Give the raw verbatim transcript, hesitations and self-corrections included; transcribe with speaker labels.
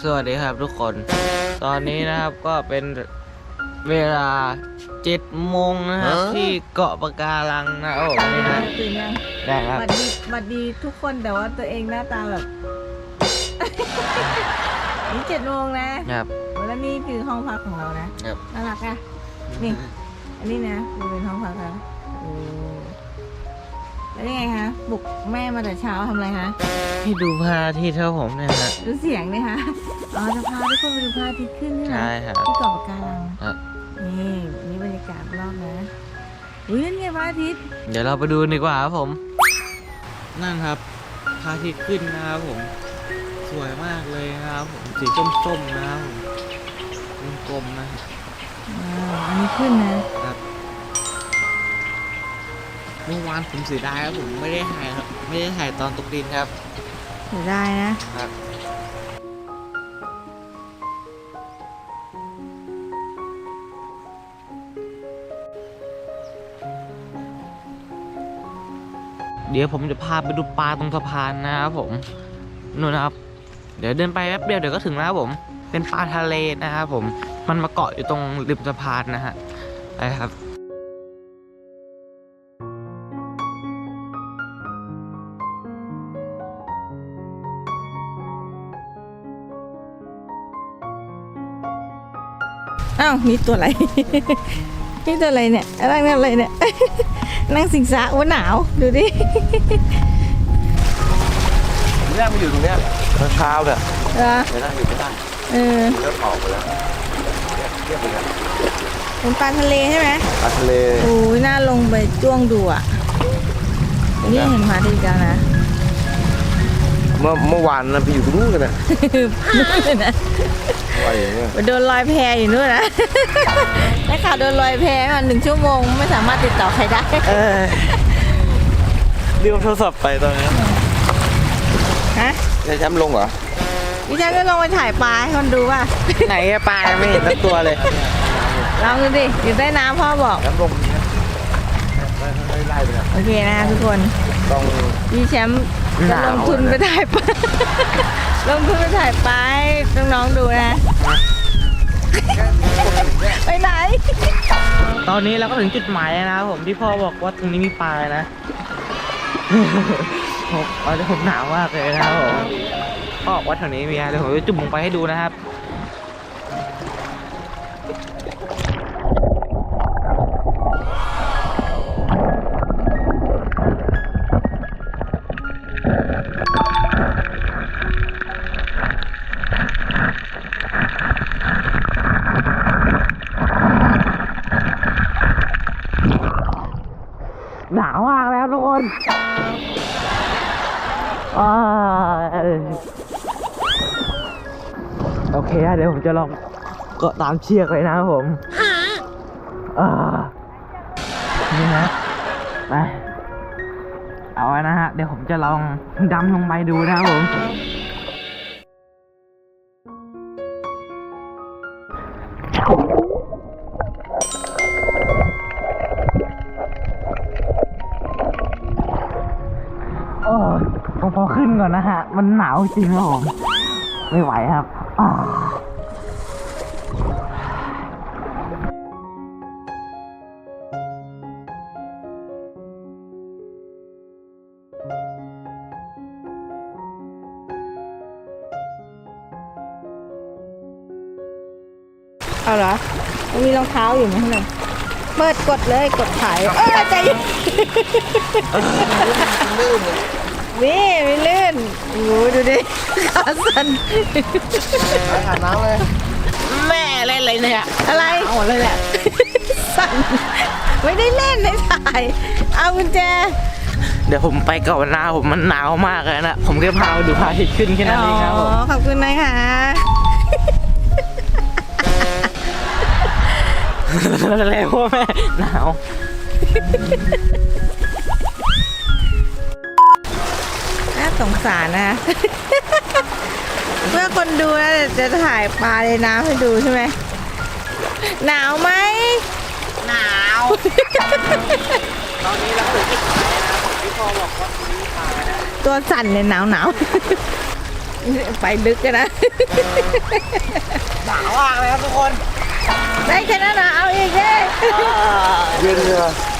Speaker 1: สวัสดีครับทุกคนตอนนี้นะครับก็เป็นเวลาเจ็ดโมงนะครับที่เกาะปะการังนะโอ้นี่นะ
Speaker 2: ตื่นยัง
Speaker 1: ได้ครับ
Speaker 2: บัดดีบัดดีทุกคนแต่ว่าตัวเองหน้าตาแบบ นี่เจ็ดโมงนะครับแล้วนี่คือห้องพักของเรานะครับน่ารักอ่ะนี่อันนี้นะดูเป็นห้องพักแล้วโอ้แล้วยังไงคะบุกแม่มาแต่เช้าทำอะไรคะ
Speaker 1: ให้ดูพระอาทิตย์เท่าผมเนี่ยฮะ
Speaker 2: ดูเสียงเนี่ยคะอ๋อจะพาทุกคนไปดูพระอาทิตย์ขึ้นใช่ไหม
Speaker 1: ใช่ครับ
Speaker 2: ที่เกาะปะการัง
Speaker 1: ครับ
Speaker 2: นี่นี่บรรยากาศรอบนะอุ้ยนั่นไงพระอาทิตย์
Speaker 1: เดี๋ยวเราไปดูดีกว่าครับผมนั่นครับพระอาทิตย์ขึ้นนะครับผมสวยมากเลยนะครับผมสีส้มๆนะครับผมกลมๆนะ
Speaker 2: อ่าอันนี้ขึ้นนะครับ
Speaker 1: เมื่อวานผมเสียดายครับผมไม่ได้ถ่ายครับไม่ได้ถ่ายตอนตกดินครับ
Speaker 2: เสียดายนะครับ
Speaker 1: เดี๋ยวผมจะพาไปดูปลาตรงสะพานนะครับผมนู่นนะครับเดี๋ยวเดินไปแป๊บเดียวเดี๋ยวก็ถึงแล้วครับผมเป็นปลาทะเลนะครับผมมันมาเกาะอยู่ตรงริมสะพานนะฮะไปครับ
Speaker 2: อ้าวนี่ตัวอะไร นี่ตัวอะไรเนี่ยอะไรเนี่ยอะไรเนี่ย นั่งสิงสาว่าหนาวดูดิ
Speaker 3: เนี่ยมันอยู่ตรงเนี้ยข้างเท้าเนี่ย
Speaker 2: เหรอ
Speaker 3: ไม่ได้อยู่ไม่ได้
Speaker 2: เออ
Speaker 3: เริ่มออกไปแล้วเทียบไปแล้ว
Speaker 2: เป็นปลาทะเลใช่ไหม
Speaker 3: ปลาทะเล
Speaker 2: โอ้ยน่าลงไปจ้วงดูอ่ะนี่เห็นพระอาทิตย์แล้วนะ
Speaker 3: เมื่อเมื่อวานนะไปอยู่ตรงนู้นกันนะ
Speaker 2: นู่นเลยนะ
Speaker 3: ว่าอย่างเงี้ย
Speaker 2: โดนลอยแพอยู่นู่นนะได้ข่าวโดนลอยแพมาหนึ่งชั่วโมงไม่สามารถติดต่อใครได้
Speaker 1: เออลืมโทรศัพท์ไปตอนนี้
Speaker 2: ฮะ
Speaker 3: จะแชมป์ลงเหรอ
Speaker 2: ดิฉันก็ลงไปถ่ายปลาให้คนดูว่า
Speaker 1: ไหนปลาไม่เห็นสักตัวเลย
Speaker 2: ลองดูดิอยู่ใต้น้ำพ่อบอก
Speaker 3: แชมป์ลงไล่ไปนะ
Speaker 2: โอเคนะทุกคน
Speaker 3: ต้อง
Speaker 2: พี่แชมป์จะลงทุนไปถ่ายปลาลงทุนไปถ่ายปลาให้น้องๆดูนะไปไหน
Speaker 1: ตอนนี้เราก็ถึงจุดหมายแล้วนะครับผมที่พ่อบอกว่าตรงนี้มีปลานะผมตอนนี้ผมหนาวมากเลยนะครับผมพ่อบอกว่าแถวนี้มีอะไรเดี๋ยวผมจะจุ่มลงไปให้ดูนะครับหนาวมากแล้วทุกคนโอเคเดี๋ยวผมจะลองเกาะตามเชือกเลยนะครับผมนี่ฮะไปเอาไว้นะฮะเดี๋ยวผมจะลองดำลงไปดูนะครับผมโอ้ผมพอขึ้นก่อนนะฮะมันหนาวจริงครับผมไม่ไหวครับ
Speaker 2: เอาเหรอมันมีรองเท้าอยู่ไหมข้างในเปิดกดเลยกดถ่ายเออใจลื่นนี่ไม่ลื่นโอ้ดูดิขาสั่น
Speaker 3: อาบน้ำเลย
Speaker 1: แม่เล่นอะไรเนี่ย
Speaker 2: อะไร
Speaker 1: หมดเลยแหละ
Speaker 2: สั่นไม่ได้เล่นในถ่ายเอากุญแจ
Speaker 1: เดี๋ยวผมไปก่อนนะผมมันหนาวมากเลยนะผมแค่พาไปดูพระอาทิตย์ขึ้นแค่นั้นเองครับผม
Speaker 2: ขอบคุณนะคะ
Speaker 1: อะไรพวกแม่หนาว
Speaker 2: น่าสงสารนะเพื่อคนดูนะจะถ่ายปลาในน้ำให้ดูใช่ไหมหนาวไหม
Speaker 1: หนาวตอนนี้เราถึงที่ปลายนะพี่พ่อบอกว่ามีปลานะ
Speaker 2: ตัวสั่นเลยหนาวหนาวไปลึกกันนะ
Speaker 1: หนาวมากเลยครับทุกคน
Speaker 2: ได้แค่นั้นนะเอาอีกเลย
Speaker 3: เย็นเลย